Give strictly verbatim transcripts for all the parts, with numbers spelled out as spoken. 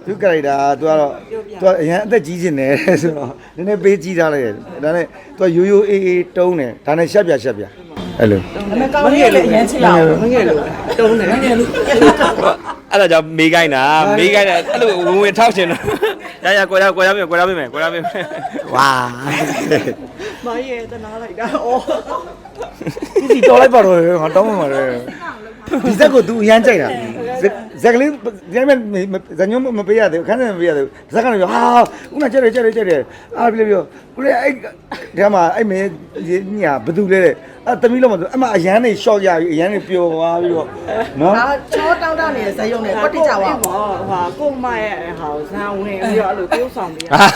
သူကလိုက်တာသူကတော့သူကအရင်အသက်ကြီးနေတယ်ဆိုတော့နည်းနည်းပေးကြီးထားလိုက်တယ်ဒါနဲ့သူကရိုးရိုးအေးအေးတုံးတယ်ဒါနဲ့ရှက်ပြရှက်ပြအဲ့လိုမကောင်းလေးလည်းအရင်ချစ်လာမငယ်လို့တုံးတယ်မငယ်လို့အဲ့ဒါကြောင့်မေးခိုင်းတာမေးခိုင်းတာအဲ့လိုဝင်ဝင်ထောက်ရှင်တော့ရရကိုရကိုရပြင်ကိုရပြင်မယ်ကိုရပြင်မယ်ဝါမရဲ့တနာလိုက်တာအော်ဒီတော်လိုက်ပါတော့ငါတောင်းမှမှာလေဒီဇက်ကိုသူအရန်ကြိုက်တာဇက်ကလေးဒီမဲ့ဇညုံမပေးရသေးဘူးခန်းနဲ့မပေးရသေးဘူးဇက်ကလည်းဟာဦးမကြက်တယ်ကြက်တယ်ကြက်တယ်အားပြပြောကိုလေအဲ့ဒီမှာအဲ့မင်းညာဘသူလဲတဲ့အဲ့သမီးလုံးမဆိုအမအရန်နေရှော့ရပြီးအရန်နေပျော်သွားပြီးတော့နော်ဒါချောတောင်းတနေတဲ့ဇယုံနဲ့ကွက်တိကြပါဘောဟာကိုမရဲ့ဟာဇန်ဝင်ပြီးတော့အဲ့လိုပြုတ်ဆောင်ပြီးဟာ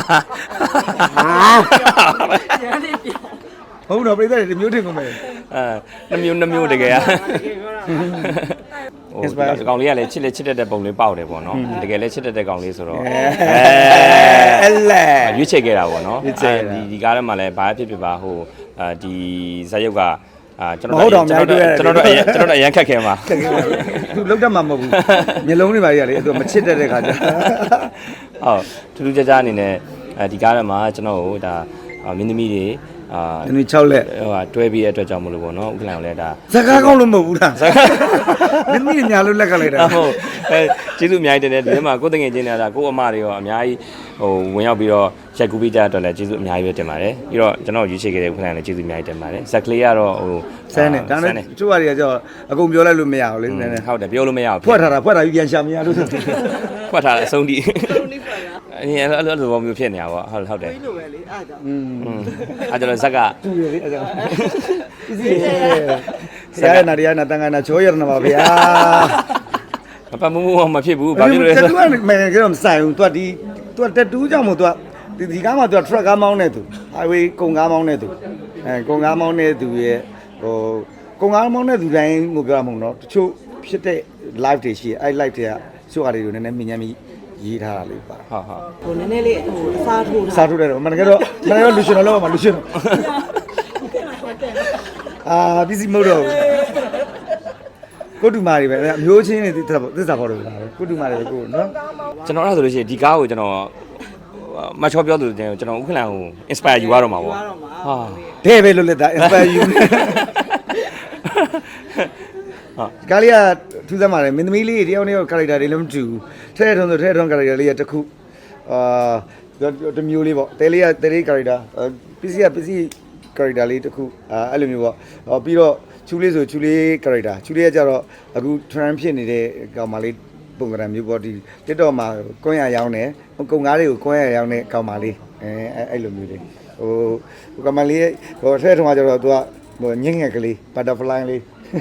ရန်နေပြောဟုတ်တော့ပြိတ္တတွေမျိုးထင်ကုန်မယ်အဲနှမျိုးနှမျိုးတကယ်อ่ะဟိုဒီကောင်လေးကလည်းချစ်လက်ချစ်တတ်တဲ့ပုံလေးပေါက်တယ်ပေါ့နော်တကယ်လည်းချစ်တတ်တဲ့ကောင်လေးဆိုတော့အဲအဲ့လေရွေးချယ်ခဲ့တာပေါ့နော်ဒီဒီကားထဲမှာလည်းဘာဖြစ်ဖြစ်ပါဟိုဒီဇာတ်ရုပ်ကအာကျွန်တော်တို့ကျွန်တော်တို့ကျွန်တော်တို့ကျွန်တော်တို့အရန်ခက်ခဲမှာသူလောက်တတ်မှာမဟုတ်ဘူးမျိုးလုံးတွေပါကြီးကလေသူမချစ်တတ်တဲ့ခါကျဟုတ်ထူးထူးခြားခြားအနေနဲ့ဒီကားထဲမှာကျွန်တော်တို့ဒါမင်းသမီးတွေအာဒီနေ့၆လက်ဟိုဟာတွဲပြီးတဲ့အတွက်ကြောင့်မလို့ပေါ့နော်ဥက္ကလန်ကိုလည်းဒါဇကားကောင်းလို့မဟုတ်ဘူးလားမင်းမင်းညာလို့လက်ကလိုက်တာဟုတ်အဲကျေးဇူးအများကြီးတင်တယ်ဒီထဲမှာကိုယ်တငယ်ချင်းတွေကကိုယ့်အမတွေရောအများကြီးဟိုဝင်ရောက်ပြီးတော့ရက်ကူပေးကြတော့လည်းကျေးဇူးအများကြီးပဲတင်ပါတယ်ပြီးတော့ကျွန်တော်ရွေးချယ်ခဲ့တဲ့ဥက္ကလန်လည်းကျေးဇူးအများကြီးတင်ပါတယ်ဇက်ကလေးကတော့ဟိုဆန်းတယ်ဒါနဲ့သူ့ဟာတွေကကျတော့အကုန်ပြောလိုက်လို့မရဘူးလေနည်းနည်းဟုတ်တယ်ပြောလို့မရဘူးဖွက်ထားတာဖွက်ထားပြီးပြန်ရှာမရလို့ဖွက်ထားတယ်အဆုံးထိအင်းအဲ့လိုလိုပုံမျိုးဖြစ်နေတာပေါ့ဟုတ်ဟုတ်တယ်ပြီးလို့ပဲလေအားကြောင့်อืมအားကြောင့်ဇက်ကတူရလေအားကြောင့်ဆရာနာရီနာတန်ခါနာချိုးရနာပါဗျာမပတ်မှုမဖြစ်ဘူးဘာဖြစ်လို့လဲဆိုတော့ तू ကမယ်ကတော့မဆိုင်ဘူး तू ဒီ तू တက်တူးကြောင့်မို့ तू ဒီဒီကားမှာ तू truck ကားမောင်းနေသူ highway ကုန်ကားမောင်းနေသူအဲကုန်ကားမောင်းနေသူရဲ့ဟိုကုန်ကားမောင်းနေသူတိုင်းကိုပြောရမှာနော်တချို့ဖြစ်တဲ့ live တွေရှိအဲ live တွေကစုဟာတွေကိုနည်းနည်းမြင်ညမ်းပြီးရေးထားတာလေးပါဟုတ်ဟုတ်ဟိုနည်းနည်းလေးဟိုအစားထိုးတာစားထိုးတယ်တော့မနက်ကတော့မနက်ကတော့လူရှင်တော့လောက်ပါလူရှင်အာဘီစီမို့တော့ကိုတူမာတွေပဲအမျိုးချင်းတွေသစ္စာဖော်တယ်လားကိုတူမာတွေပဲကိုနော်ကျွန်တော်အဲ့ဒါဆိုလို့ရှိရင်ဒီကားကိုကျွန်တော်မချောပြောသူကျွန်တော်ဥက္ကလန်ကို inspire ယူရတော့မှာပေါ့ဟာတဲ့ပဲလို့လက်တာ inspire ယူနေဟာကာလီယာထူးဆန်းပါတယ်မင်းသမီးလေးတယောက်နဲ့ character တွေလည်းမတူဘူးထဲထုံးဆိုထဲထုံး character လေးကတစ်ခုအာတမျိုးလေးပေါ့တဲလေးကတဲလေး character ပစ္စည်းကပစ္စည်း character လေးတစ်ခုအာအဲ့လိုမျိုးပေါ့ပြီးတော့ချူလေးဆိုချူလေး character ချူလေးကကြတော့အခု trend ဖြစ်နေတဲ့ကောင်မလေးပုံစံမျိုးပေါ့ဒီ TikTok မှာကွန်းရရောင်းတယ်ကုံကားတွေကိုကွန်းရရောင်းတဲ့ကောင်မလေးအဲအဲ့လိုမျိုးလေးဟိုကောင်မလေးဟိုထဲထုံးကကြတော့သူကဟိုညင်ငယ်ကလေး butterfly လေး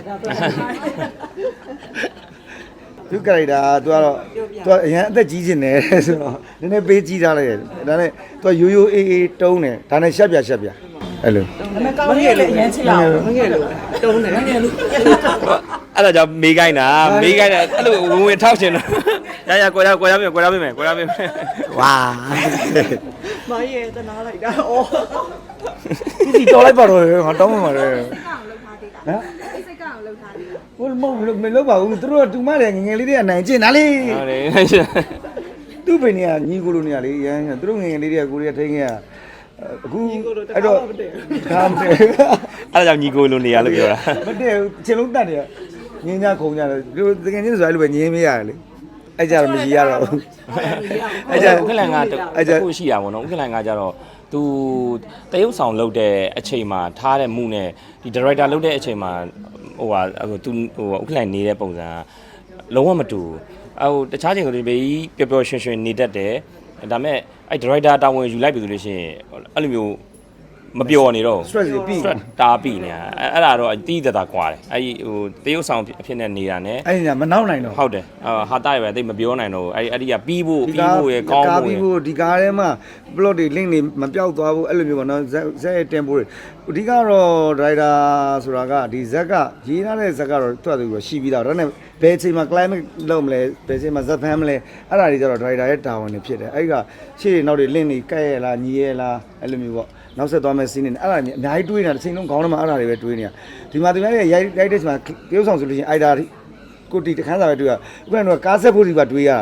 သူကလိုက်တာသူကတော့သူကအရင်အသက်ကြီးနေတယ်ဆိုတော့နည်းနည်းပေးကြီးထားလိုက်တယ်ဒါနဲ့သူကရိုးရိုးအေးအေးတုံးတယ်ဒါနဲ့ရှက်ပြရှက်ပြအဲ့လိုမကောင်းလေးလည်းအရင်ချစ်လာမငယ်လို့တုံးတယ်မငယ်လို့အဲ့ဒါကြောင့်မေးခိုင်းတာမေးခိုင်းတာအဲ့လိုဝင်ဝင်ထောက်ရှင်တော့ရရကိုရကိုရပြင်ကိုရပြင်မယ်ကိုရပြင်မယ်ဝါမရဲ့တနာလိုက်တာအော်ဒီတော်လိုက်ပါတော့ငါတောင်းမှမှာလေဟမ်စိတ်ကအောင်လှုပ်ထားတယ်ဟိုမဟုတ်မလုပ်ပါဘူးသူတို့ကတူမတယ်ငငယ်လေးတွေကနိုင်ကျင်တာလေဟုတ်တယ်သူ့ပင်တွေကညီကိုလိုနေရလေရမ်းသူတို့ငငယ်လေးတွေကကိုရီးယားထိန်းခဲ့အခုအဲ့တော့ဒါမှမဟုတ်အဲ့ဒါကြောင့်ညီကိုလိုနေရလို့ပြောတာမတည့်ဘူးချင်းလုံးတတ်တယ်ငင်းညခုံကြတယ်သူတကယ်ချင်းဆိုအဲ့လိုပဲငင်းမရတယ်လေအဲ့ကြတော့မကြီးရတော့ဘူးအဲ့ကြဥက္ကလန်ကအဲ့ကြခုရှိတာပေါ့နော်ဥက္ကလန်ကကြတော့သူတရုပ်ဆောင်လုပ်တဲ့အချိန်မှာထားတဲ့မှုနဲ့ဒီ director လုပ်တဲ့အချိန်မှာဟိုဟာသူဟိုဥက္ကလန်နေတဲ့ပုံစံလုံးဝမတူဟိုတခြားချိန်ဆိုဒီဘေးပျော်ပျော်ရွှင်ရွှင်နေတတ်တယ်ဒါပေမဲ့အဲ့ director တာဝန်ယူလိုက်ပြီဆိုလို့ရှိရင်အဲ့လိုမျိုးမပျော်နေတော့ stress ပြီး stress တားပြီးနေတာအဲ့ဒါတော့အတီးသက်သာကွာတယ်အဲ့ဟိုတရုပ်ဆောင်အဖြစ်နဲ့နေတာ ਨੇ အဲ့ညာမနောက်နိုင်တော့ဟုတ်တယ်ဟာတာရပဲတိတ်မပြောနိုင်တော့အဲ့အဲ့ဒီကပြီးဖို့ပြီးဖို့ရကောင်းဖို့ကားပြီးဖို့ဒီကားထဲမှာ plot တွေ link တွေမပြောက်သွားဘူးအဲ့လိုမျိုးပေါ့နော်ဇက်ဇက်ရဲ့ tempo တွေအဓိကတော့ driver ဆိုတာကဒီဇက်ကရေးထားတဲ့ဇက်ကတော့သူ့အတူရှိပြီးသားဒါနဲ့ဘယ်အချိန်မှာ climate လုပ်မလဲဘယ်အချိန်မှာဇက်ဖမ်းမလဲအဲ့ဒါတွေကျတော့ driver ရဲ့တာဝန်တွေဖြစ်တယ်အဲ့ကရှေ့နောက်တွေ link တွေကဲ့ရလားညီရလားအဲ့လိုမျိုးပေါ့နောက်ဆက်သွားမယ့် scene တွေအဲ့ဒါအများကြီးတွေးနေတာတစ်ချိန်လုံးခေါင်းထဲမှာအဲ့ဒါတွေပဲတွေးနေတာဒီမှာသူများရဲ့ရိုက်ရိုက်တဲ့ချိန်မှာတရုပ်ဆောင်ဆိုလို့ရှိရင်အဲ့ဒါကိုတီတခန်းစာပဲတွေးရဥပမာတော့ကားဆက်ဖို့ဒီပါတွေးရတာလေ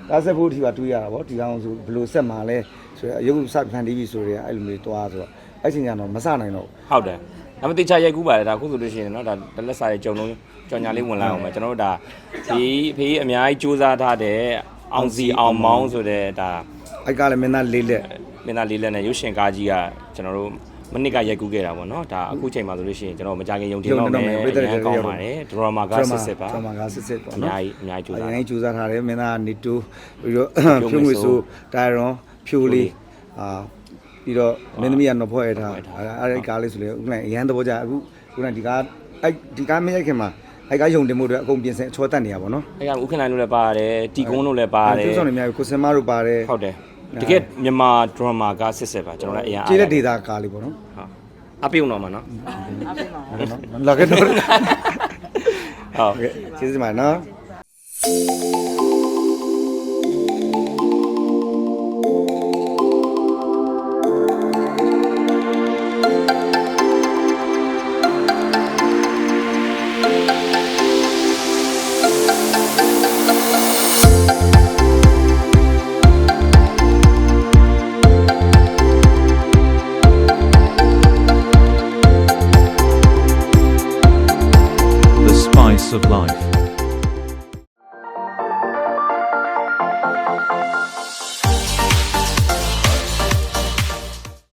ကားဆက်ဖို့ဒီပါတွေးရတာပေါ့ဒီကောင်ဆိုဘယ်လိုဆက်မှာလဲဆိုတော့အယုတ်စဖန်တီးပြီဆိုတော့အဲ့လိုမျိုးတွားဆိုတော့အဲ့ချိန်ကျတော့မစနိုင်တော့ဟုတ်တယ်ဒါမှမဟုတ်တေချာရိုက်ကူးပါတယ်ဒါခုဆိုလို့ရှိရင်เนาะဒါတလက်စာရဲ့ကြုံလုံးကြော်ညာလေးဝင်လာအောင်မယ်ကျွန်တော်တို့ဒါဒီဖေးအများကြီးစူးစမ်းထားတဲ့အောင်စီအောင်မောင်းဆိုတဲ့ဒါအဲ့ကားလည်းမင်းသားလေးလက်မင်းသားလေးလက်နဲ့ရုပ်ရှင်ကားကြီးကကျွန်တော်တို့မနစ်ကရိုက်ကူးခဲ့တာပေါ့နော်ဒါအခုချိန်မှာဆိုလို့ရှိရင်ကျွန်တော်မကြခင်ယုံကြည်တော့မယ်အရင်ကောင်းပါတယ်ဒရမာကစစ်စစ်ပါဒရမာကစစ်စစ်ပေါ့အနော်များကြီးအများကြီးကြိုးစားအရင်ကြိုးစားထားတယ်မင်းသားနေတူပြီးတော့ဖြိုးငွေဆိုတိုင်ရွန်ဖြိုးလေးအာပြီးတော့မင်းသမီးကတော့ဖွဲ့ရထားအဲ့ဒီကားလေးဆိုလေဥက္ကဋ္ဌအရန်သဘောကျအခုခုနဒီကားအဲ့ဒီကားမရိုက်ခင်မှာအဲ့ကားယုံတင်မှုတွေအကုန်ပြင်ဆင်ချောတက်နေရပါတော့အဲ့ကဥက္ကဋ္ဌလို့လည်းပါတယ်တီကုန်းလို့လည်းပါတယ်ကျိုးဆောင်နေများကိုစင်မတို့ပါတယ်ဟုတ်တယ်တကယ်မြန်မာဒရမာကစစ်စစ်ပါကျွန်တော်လည်းအရင်အားကျေးတဲ့ဒေတာကားလေးပေါ့နော်ဟုတ်အပြုံတော့မှာနော်အားပေးပါနော်လာခဲ့တော့ဟုတ်ကျေးဇူးပါနော် The spice of life.